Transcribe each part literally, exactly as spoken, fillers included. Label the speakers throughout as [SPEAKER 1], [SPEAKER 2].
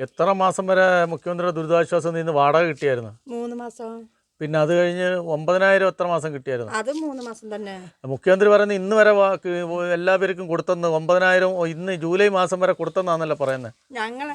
[SPEAKER 1] എത്ര മാസം വരെ മുഖ്യമന്ത്രിയുടെ ദുരിതാശ്വാസ നിധിന്ന് വാടക കിട്ടിയായിരുന്നു?
[SPEAKER 2] മൂന്ന് മാസം.
[SPEAKER 1] പിന്നെ അത് കഴിഞ്ഞ് ഒമ്പതിനായിരം എത്ര മാസം കിട്ടിയായിരുന്നു?
[SPEAKER 2] അത് മൂന്ന് മാസം തന്നെ.
[SPEAKER 1] മുഖ്യമന്ത്രി പറയുന്നത് ഇന്ന് വരെ എല്ലാ പേർക്കും കൊടുത്തെന്ന്, ഒമ്പതിനായിരം ഇന്ന് ജൂലൈ മാസം വരെ കൊടുത്തെന്നാണല്ലോ പറയുന്നത്.
[SPEAKER 2] ഞങ്ങള്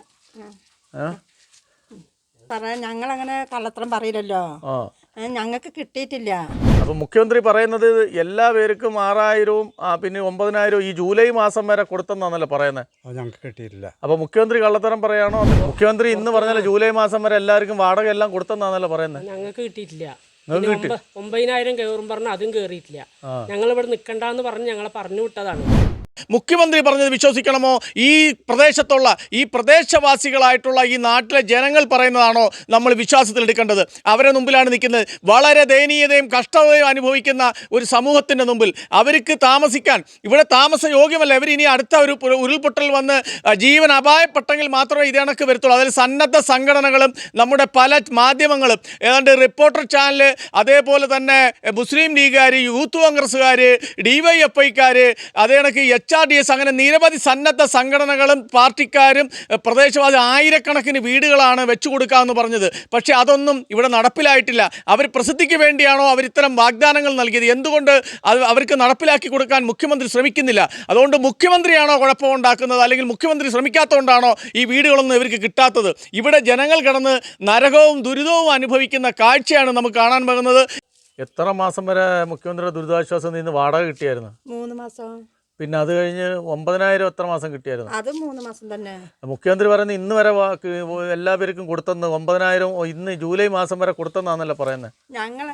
[SPEAKER 2] പറയാ ഞങ്ങളങ്ങനെ കള്ളത്തരം പറയില്ലല്ലോ. ഞങ്ങൾക്ക് കിട്ടിയിട്ടില്ല.
[SPEAKER 1] അപ്പൊ മുഖ്യമന്ത്രി പറയുന്നത് എല്ലാ പേർക്കും ആറായിരവും പിന്നെ ഒമ്പതിനായിരവും ഈ ജൂലൈ മാസം വരെ കൊടുത്തെന്നാണല്ലോ പറയുന്നത്.
[SPEAKER 3] ഞങ്ങൾക്ക് കിട്ടിയിട്ടില്ല.
[SPEAKER 1] അപ്പൊ മുഖ്യമന്ത്രി കള്ളത്തരം പറയാണോ? മുഖ്യമന്ത്രി ഇന്ന് പറഞ്ഞാൽ ജൂലൈ മാസം വരെ എല്ലാവർക്കും വാടക എല്ലാം കൊടുത്തെന്നാണല്ലോ പറയുന്നത്.
[SPEAKER 4] ഞങ്ങൾക്ക് കിട്ടിയിട്ടില്ല. ഒമ്പതിനായിരം കയറും പറഞ്ഞ അതും കയറിയിട്ടില്ല. ഞങ്ങൾ ഇവിടെ നിൽക്കണ്ടെന്ന് പറഞ്ഞ് ഞങ്ങളെ പറഞ്ഞു വിട്ടതാണ്.
[SPEAKER 1] മുഖ്യമന്ത്രി പറഞ്ഞത് വിശ്വസിക്കണമോ? ഈ പ്രദേശത്തുള്ള ഈ പ്രദേശവാസികളായിട്ടുള്ള ഈ നാട്ടിലെ ജനങ്ങൾ പറയുന്നതാണോ നമ്മൾ വിശ്വാസത്തിലെടുക്കേണ്ടത്? അവരെ മുമ്പിലാണ് നിൽക്കുന്നത്. വളരെ ദയനീയതയും കഷ്ടതയും അനുഭവിക്കുന്ന ഒരു സമൂഹത്തിൻ്റെ മുമ്പിൽ അവർക്ക് താമസിക്കാൻ ഇവിടെ താമസ യോഗ്യമല്ല. ഇവർ ഇനി അടുത്ത ഒരു ഉരുൾപൊട്ടൽ വന്ന് ജീവൻ അപായപ്പെട്ടെങ്കിൽ മാത്രമേ ഇത് കണക്ക് വരത്തുള്ളൂ. അതിൽ സന്നദ്ധ സംഘടനകളും നമ്മുടെ പല മാധ്യമങ്ങളും, ഏതാണ്ട് റിപ്പോർട്ടർ ചാനൽ, അതേപോലെ തന്നെ മുസ്ലിം ലീഗുകാർ, യൂത്ത് കോൺഗ്രസ്സുകാർ, ഡി വൈ എഫ് ഐക്കാർ, അതേ കണക്ക് എച്ച് ആർ ഡി എസ്, അങ്ങനെ നിരവധി സന്നദ്ധ സംഘടനകളും പാർട്ടിക്കാരും പ്രദേശവാസി ആയിരക്കണക്കിന് വീടുകളാണ് വെച്ചു കൊടുക്കാമെന്ന് പറഞ്ഞത്. പക്ഷേ അതൊന്നും ഇവിടെ നടപ്പിലായിട്ടില്ല. അവർ പ്രസിദ്ധിക്ക് വേണ്ടിയാണോ അവർ ഇത്തരം വാഗ്ദാനങ്ങൾ നൽകിയത്? എന്തുകൊണ്ട് അത് അവർക്ക് നടപ്പിലാക്കി കൊടുക്കാൻ മുഖ്യമന്ത്രി ശ്രമിക്കുന്നില്ല? അതുകൊണ്ട് മുഖ്യമന്ത്രിയാണോ കുഴപ്പമുണ്ടാക്കുന്നത്, അല്ലെങ്കിൽ മുഖ്യമന്ത്രി ശ്രമിക്കാത്തതുകൊണ്ടാണോ ഈ വീടുകളൊന്നും ഇവർക്ക് കിട്ടാത്തത്? ഇവിടെ ജനങ്ങൾ കിടന്ന് നരകവും ദുരിതവും അനുഭവിക്കുന്ന കാഴ്ചയാണ് നമുക്ക് കാണാൻ പോകുന്നത്. എത്ര മാസം വരെ മുഖ്യമന്ത്രിയുടെ ദുരിതാശ്വാസ നിധിന്ന് വാടക കിട്ടിയായിരുന്നു?
[SPEAKER 2] മൂന്ന് മാസം.
[SPEAKER 1] പിന്നെ അത് കഴിഞ്ഞ് ഒമ്പതിനായിരം എത്ര മാസം കിട്ടിയായിരുന്നു?
[SPEAKER 2] അത് മൂന്ന് മാസം തന്നെ.
[SPEAKER 1] മുഖ്യമന്ത്രി പറയുന്നത് ഇന്ന് വരെ എല്ലാ പേർക്കും കൊടുത്തെന്ന്, ഒമ്പതിനായിരം ഇന്ന് ജൂലൈ മാസം വരെ കൊടുത്തെന്നാണല്ലോ പറയുന്നത്.
[SPEAKER 2] ഞങ്ങള്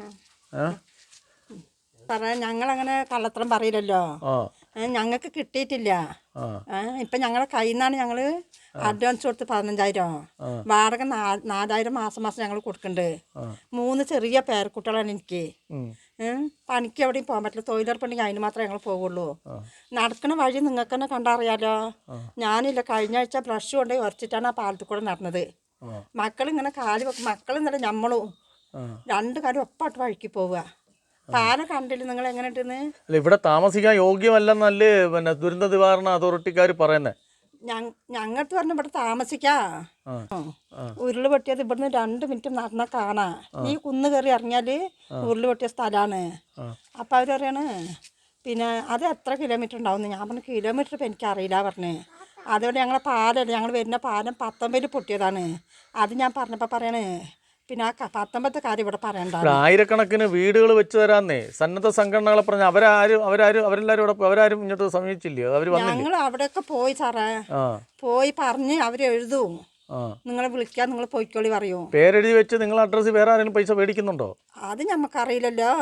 [SPEAKER 2] പറയാ ഞങ്ങളങ്ങനെ കള്ളത്തരം പറയില്ലല്ലോ. ഞങ്ങൾക്ക് കിട്ടിയിട്ടില്ല. ഇപ്പൊ ഞങ്ങളെ കയ്യിൽ നിന്നാണ് ഞങ്ങള് അഡ്വാൻസ് കൊടുത്ത് പതിനഞ്ചായിരം, വാടക നാലായിരം മാസം മാസം ഞങ്ങൾ കൊടുക്കണ്ട്. മൂന്ന് ചെറിയ പേരക്കുട്ടികളാണ് എനിക്ക്. പണിക്ക് എവിടെയും പോകാൻ പറ്റില്ല. തൊഴിലുറപ്പുണ്ടെങ്കിൽ അതിന് മാത്രമേ ഞങ്ങൾ പോകുള്ളൂ. നടക്കുന്ന വഴി നിങ്ങൾക്ക് തന്നെ കണ്ടറിയാലോ. ഞാനില്ല, കഴിഞ്ഞ ആഴ്ച ബ്രഷ് കൊണ്ട് ഉറച്ചിട്ടാണ് ആ പാലത്തിൽ കൂടെ നടന്നത്. മക്കളിങ്ങനെ കാല് വെക്കും, മക്കളെന്നല്ല ഞമ്മളും രണ്ട് കാര്യം ഒപ്പാട്ട് വഴിക്ക് പോവുക. പാലം കണ്ടില്ല നിങ്ങൾ എങ്ങനെ ഉണ്ടെന്ന്?
[SPEAKER 1] അല്ല, ഇവിടെ താമസിക്കാൻ യോഗ്യമല്ലെന്നല്ലേ പിന്നെ ദുരന്ത നിവാരണ അതോറിറ്റിക്കാർ പറയുന്നത്.
[SPEAKER 2] ഞങ്ങൾക്ക് പറഞ്ഞ ഇവിടെ താമസിക്കാ. ഉരുള് പൊട്ടിയത് ഇവിടുന്ന് രണ്ട് മിനിറ്റ് നടന്നാൽ കാണാ. ഈ കുന്ന് കയറി ഇറങ്ങിയാല് ഉരുള് പൊട്ടിയ സ്ഥലമാണ്. അപ്പൊ അവര് പറയാണ് പിന്നെ അത് എത്ര കിലോമീറ്റർ ഉണ്ടാവും? ഞാൻ പറഞ്ഞ കിലോമീറ്റർ ഇപ്പം എനിക്കറിയില്ല പറഞ്ഞ്. അതുകൊണ്ട് ഞങ്ങളെ പാലല്ല, ഞങ്ങൾ വരുന്ന പാലം പത്തൊമ്പതിൽ പൊട്ടിയതാണ്. അത് ഞാൻ പറഞ്ഞപ്പോൾ പറയണേ പിന്നെ ആ പത്തൊമ്പത്തെ കാര്യം ഇവിടെ പറയണ്ട.
[SPEAKER 1] ആയിരക്കണക്കിന് വീടുകൾ വെച്ച് തരാന്നേ സന്നദ്ധ സംഘടനകളെ പറഞ്ഞ അവരാരും അവരാരും അവരെല്ലാരും ഇവിടെ അവരാരും ഇങ്ങോട്ട് സമീപിച്ചില്ലേ? അവർ
[SPEAKER 2] ഞങ്ങൾ അവിടെയൊക്കെ പോയി സാറേ, പോയി പറഞ്ഞ് അവര് എഴുതും, നിങ്ങളെ വിളിക്കാൻ നിങ്ങൾ പോയിക്കോളി പറയൂ.
[SPEAKER 1] പേരെഴുതി വെച്ച് നിങ്ങൾ അഡ്രസ്സ് വേറെ ആരെങ്കിലും പൈസ മേടിക്കുന്നുണ്ടോ?
[SPEAKER 2] അത് ഞമ്മക്കറിയില്ലല്ലോ.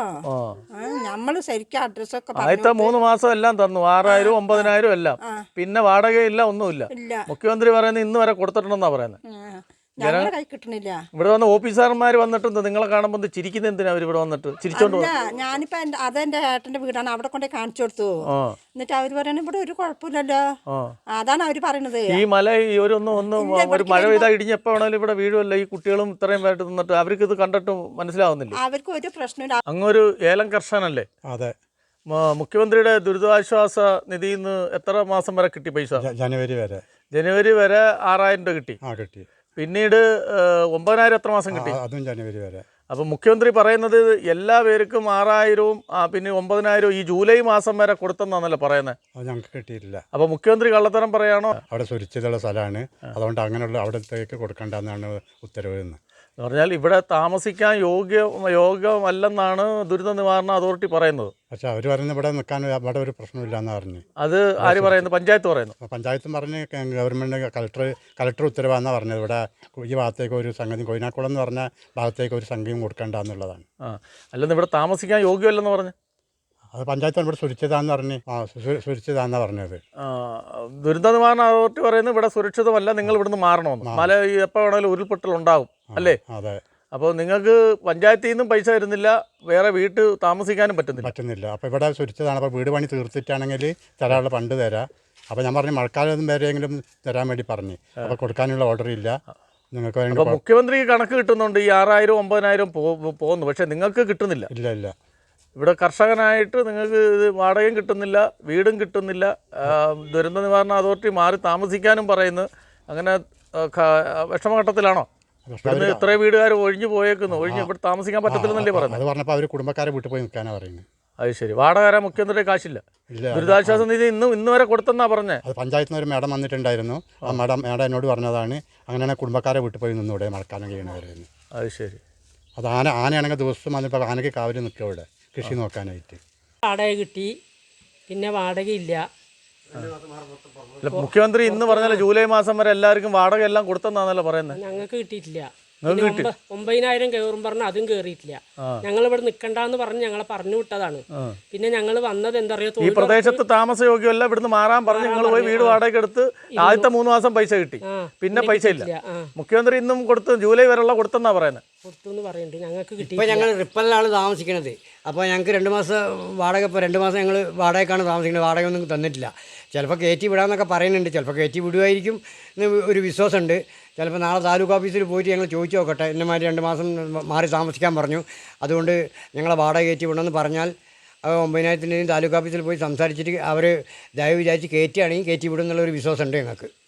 [SPEAKER 2] നമ്മള് ശരിക്കും അഡ്രസ്സൊക്കെ
[SPEAKER 1] ആദ്യത്തെ മൂന്ന് മാസം എല്ലാം തന്നു, ആറായിരം ഒമ്പതിനായിരം എല്ലാം. പിന്നെ വാടകയില്ല, ഒന്നുമില്ല. മുഖ്യമന്ത്രി പറയുന്നത് ഇന്ന് വരെ കൊടുത്തിട്ടുണ്ടെന്നാ പറയുന്നത്.
[SPEAKER 2] കിട്ടണില്ല.
[SPEAKER 1] ഇവിടെ വന്ന ഓഫീസർമാർ വന്നിട്ടുണ്ട്, നിങ്ങളെ കാണുമ്പോൾ ചിരിക്കുന്ന എന്തിനാ അവർ ഇവിടെ വന്നിട്ട് ചിരിച്ചോണ്ട്?
[SPEAKER 2] ഞാനിപ്പോ അതെന്റെ ഏട്ടന്റെ വീടാണ്, അവിടെ കൊണ്ടേ കാണിച്ചു കൊടുത്തു. എന്നിട്ട് അവര് പറയണ ഇവിടെ ഒരു കുഴപ്പമില്ലല്ലോ. അതാണ് അവര് പറയണത്.
[SPEAKER 1] ഈ മല ഒരു ഒന്ന് ഒന്ന് ഒരു മഴ പെയ്താൽ ഇടിഞ്ഞെപ്പോ വേണേലും ഇവിടെ വീഴുമല്ലോ. ഈ കുട്ടികളും ഇത്രയും പേരായിട്ട് നിന്നിട്ട് അവർക്ക് ഇത് കണ്ടിട്ട് മനസ്സിലാവുന്നില്ല.
[SPEAKER 2] അവർക്ക് ഒരു പ്രശ്നമില്ല.
[SPEAKER 1] അങ്ങൊരു ഏലം കർഷകനല്ലേ?
[SPEAKER 3] അതെ.
[SPEAKER 1] മുഖ്യമന്ത്രിയുടെ ദുരിതാശ്വാസ നിധിയിൽ നിന്ന് എത്ര മാസം വരെ കിട്ടി പൈസ?
[SPEAKER 3] ജനുവരി വരെ.
[SPEAKER 1] ജനുവരി വരെ ആറായിരം രൂപ കിട്ടി.
[SPEAKER 3] ആ കിട്ടി.
[SPEAKER 1] പിന്നീട് ഒമ്പതിനായിരം എത്ര മാസം കിട്ടി?
[SPEAKER 3] അതും ജനുവരി വരെ. അപ്പം
[SPEAKER 1] മുഖ്യമന്ത്രി പറയുന്നത് എല്ലാ പേർക്കും ആറായിരവും പിന്നെ ഒമ്പതിനായിരവും ഈ ജൂലൈ മാസം വരെ കൊടുത്തെന്നാണല്ലോ പറയുന്നത്.
[SPEAKER 3] അത് ഞങ്ങൾക്ക് കിട്ടിയിട്ടില്ല.
[SPEAKER 1] അപ്പൊ മുഖ്യമന്ത്രി കള്ളത്തരം പറയാണോ?
[SPEAKER 3] അവിടെ സുരക്ഷിതമുള്ള സ്ഥലമാണ്, അതുകൊണ്ട് അങ്ങനെയുള്ള അവിടത്തേക്ക് കൊടുക്കേണ്ടെന്നാണ് ഉത്തരവ് എന്ന്
[SPEAKER 1] പറഞ്ഞാൽ ഇവിടെ താമസിക്കാൻ യോഗ്യ യോഗ്യമല്ലെന്നാണ് ദുരിത നിവാരണ അതോറിറ്റി പറയുന്നത്.
[SPEAKER 3] പക്ഷെ അവർ പറയുന്നത് ഇവിടെ നിൽക്കാൻ അവിടെ ഒരു പ്രശ്നമില്ല എന്ന് പറഞ്ഞു.
[SPEAKER 1] അത് ആര് പറയുന്നു? പഞ്ചായത്ത് പറയുന്നു.
[SPEAKER 3] പഞ്ചായത്തും പറഞ്ഞ് ഗവൺമെൻറ് കലക്ടർ കലക്ടർ ഉത്തരവാണെന്നാണ് പറഞ്ഞത്. ഇവിടെ ഈ ഭാഗത്തേക്ക് ഒരു സംഗതി, കൊയിനാക്കുളം എന്ന് പറഞ്ഞ ഭാഗത്തേക്ക് ഒരു സംഖ്യയും കൊടുക്കേണ്ട എന്നുള്ളതാണ്.
[SPEAKER 1] ആ അല്ലെന്ന് ഇവിടെ താമസിക്കാൻ യോഗ്യമല്ലെന്ന് പറഞ്ഞു.
[SPEAKER 3] അത് പഞ്ചായത്താണ് ഇവിടെ സുരക്ഷിതാന്ന് പറഞ്ഞ് ആ സുരക്ഷിതാന്നാണ് പറഞ്ഞത്.
[SPEAKER 1] ദുരന്ത നിവാരണ അതോറിറ്റി പറയുന്നത് ഇവിടെ സുരക്ഷിതമല്ല, നിങ്ങൾ ഇവിടുന്ന് മാറണമെന്ന്. മല എപ്പോൾ വേണമെങ്കിലും ഉരുൾപൊട്ടൽ ഉണ്ടാകും അല്ലേ?
[SPEAKER 3] അതെ.
[SPEAKER 1] അപ്പോൾ നിങ്ങൾക്ക് പഞ്ചായത്തിൽ നിന്നും പൈസ തരുന്നില്ല, വേറെ വീട്ടിൽ താമസിക്കാനും പറ്റുന്നില്ല
[SPEAKER 3] പറ്റുന്നില്ല അപ്പോൾ ഇവിടെ സുരക്ഷിതമാണ്. അപ്പോൾ വീട് പണി തീർത്തിട്ടാണെങ്കിൽ തരാനുള്ള ഫണ്ട് തരാം. അപ്പോൾ ഞാൻ പറഞ്ഞു മഴക്കാലം വരെയെങ്കിലും തരാൻ വേണ്ടി പറഞ്ഞു. അപ്പോൾ കൊടുക്കാനുള്ള ഓർഡർ ഇല്ല നിങ്ങൾക്ക് വേണ്ടി.
[SPEAKER 1] അപ്പോൾ മുഖ്യമന്ത്രിക്ക് കണക്ക് കിട്ടുന്നുണ്ട്, ഈ ആറായിരം ഒമ്പതിനായിരം പോകുന്നു, പക്ഷേ നിങ്ങൾക്ക് കിട്ടുന്നില്ല.
[SPEAKER 3] ഇല്ല ഇല്ല.
[SPEAKER 1] ഇവിടെ കർഷകനായിട്ട് നിങ്ങൾക്ക് ഇത് വാടകയും കിട്ടുന്നില്ല, വീടും കിട്ടുന്നില്ല. ദുരന്ത നിവാരണ അതോറിറ്റി മാറി താമസിക്കാനും പറയുന്നു. അങ്ങനെ ആ, ക- വിഷമഘട്ടത്തിലാണോ? ഇവിടുന്ന് എത്ര വീടുകാർ ഒഴിഞ്ഞു പോയേക്കുന്നു, ഒഴിഞ്ഞ് ഇവിടെ താമസിക്കാൻ പറ്റത്തില്ലെന്നല്ലേ പറയുന്നത്?
[SPEAKER 3] അത് പറഞ്ഞപ്പോൾ അവർ കുടുംബക്കാരെ വീട്ടിൽ പോയി നിൽക്കാനാണ് പറയുന്നത്.
[SPEAKER 1] അത് ശരി. വാടക മുഖ്യമന്ത്രി കാശില്ല,
[SPEAKER 3] ഇല്ല,
[SPEAKER 1] ദുരിതാശ്വാസ നിധി ഇന്നും ഇന്ന് വരെ കൊടുത്തെന്നാ പറഞ്ഞേ.
[SPEAKER 3] അത് പഞ്ചായത്തിൽ നിന്ന് ഒരു മേഡം വന്നിട്ടുണ്ടായിരുന്നു. ആ മേഡം മേഡം എന്നോട് പറഞ്ഞതാണ് അങ്ങനെയാണ് കുടുംബക്കാരെ വീട്ടിൽ പോയി നിന്നൂടെ മഴക്കാലം കഴിയണവരെന്ന്.
[SPEAKER 1] അത് ശരി.
[SPEAKER 3] അത് ആന ആനയാണെങ്കിൽ ദിവസം വന്നിപ്പോൾ ആനയ്ക്ക് കാവല് നിൽക്കുക ഇവിടെ കൃഷി നോക്കാനായിട്ട്.
[SPEAKER 4] വാടക കിട്ടി, പിന്നെ വാടകയില്ല.
[SPEAKER 1] അല്ല, മുഖ്യമന്ത്രി ഇന്ന് പറഞ്ഞാൽ ജൂലൈ മാസം വരെ എല്ലാവർക്കും വാടക എല്ലാം കൊടുത്തെന്നാണല്ലോ പറയുന്നത്.
[SPEAKER 4] ഞങ്ങൾക്ക് കിട്ടിയിട്ടില്ല. പിന്നെ ഒമ്പ- ഒമ്പതിനായിരം കയറും പറഞ്ഞ അതും കയറിയിട്ടില്ല. ഞങ്ങൾ ഇവിടെ നിൽക്കണ്ടെന്ന് പറഞ്ഞ് ഞങ്ങളെ പറഞ്ഞു വിട്ടതാണ്. പിന്നെ ഞങ്ങൾ വന്നത് എന്താ
[SPEAKER 1] ഈ
[SPEAKER 4] പറയുക,
[SPEAKER 1] പ്രദേശത്ത് താമസയോഗ്യമല്ല, ഇവിടുന്ന് മാറാൻ പറഞ്ഞ് നിങ്ങൾ പോയി വീട് വാടക എടുത്ത് ആദ്യത്തെ മൂന്ന് മാസം പൈസ കിട്ടി, പിന്നെ പൈസ ഇല്ല. മുഖ്യമന്ത്രി ഇന്നും കൊടുത്ത് ജൂലൈ വരെയുള്ള കൊടുത്തെന്നാ പറയുന്നത്.
[SPEAKER 4] കൊടുത്തു പറയുന്നുണ്ട്. ഞങ്ങൾക്ക് കിട്ടി.
[SPEAKER 5] ഇപ്പോൾ ഞങ്ങൾ റിപ്പലിലാണ് താമസിക്കുന്നത്. അപ്പോൾ ഞങ്ങൾക്ക് രണ്ട് മാസം വാടക, ഇപ്പോൾ രണ്ട് മാസം ഞങ്ങൾ വാടകയ്ക്കാണ് താമസിക്കുന്നത്. വാടക ഒന്നും തന്നിട്ടില്ല. ചിലപ്പോൾ കയറ്റി വിടാമെന്നൊക്കെ പറയുന്നുണ്ട്. ചിലപ്പോൾ കയറ്റി വിടുമായിരിക്കും എന്ന് ഒരു വിശ്വാസമുണ്ട്. ചിലപ്പോൾ നാളെ താലൂക്ക് ഓഫീസിൽ പോയിട്ട് ഞങ്ങൾ ചോദിച്ചു നോക്കട്ടെ. എന്നെമാതിരി രണ്ട് മാസം മാറി താമസിക്കാൻ പറഞ്ഞു, അതുകൊണ്ട് ഞങ്ങളെ വാടക കയറ്റി വിടണമെന്ന് പറഞ്ഞാൽ ഒമ്പതിനായിരത്തിൻ്റെയും താലൂക്ക് ഓഫീസിൽ പോയി സംസാരിച്ചിട്ട് അവർ ദയവ് വിചാരിച്ച് കയറ്റുകയാണെങ്കിൽ കയറ്റി വിടും എന്നുള്ളൊരു വിശ്വാസമുണ്ട് ഞങ്ങൾക്ക്.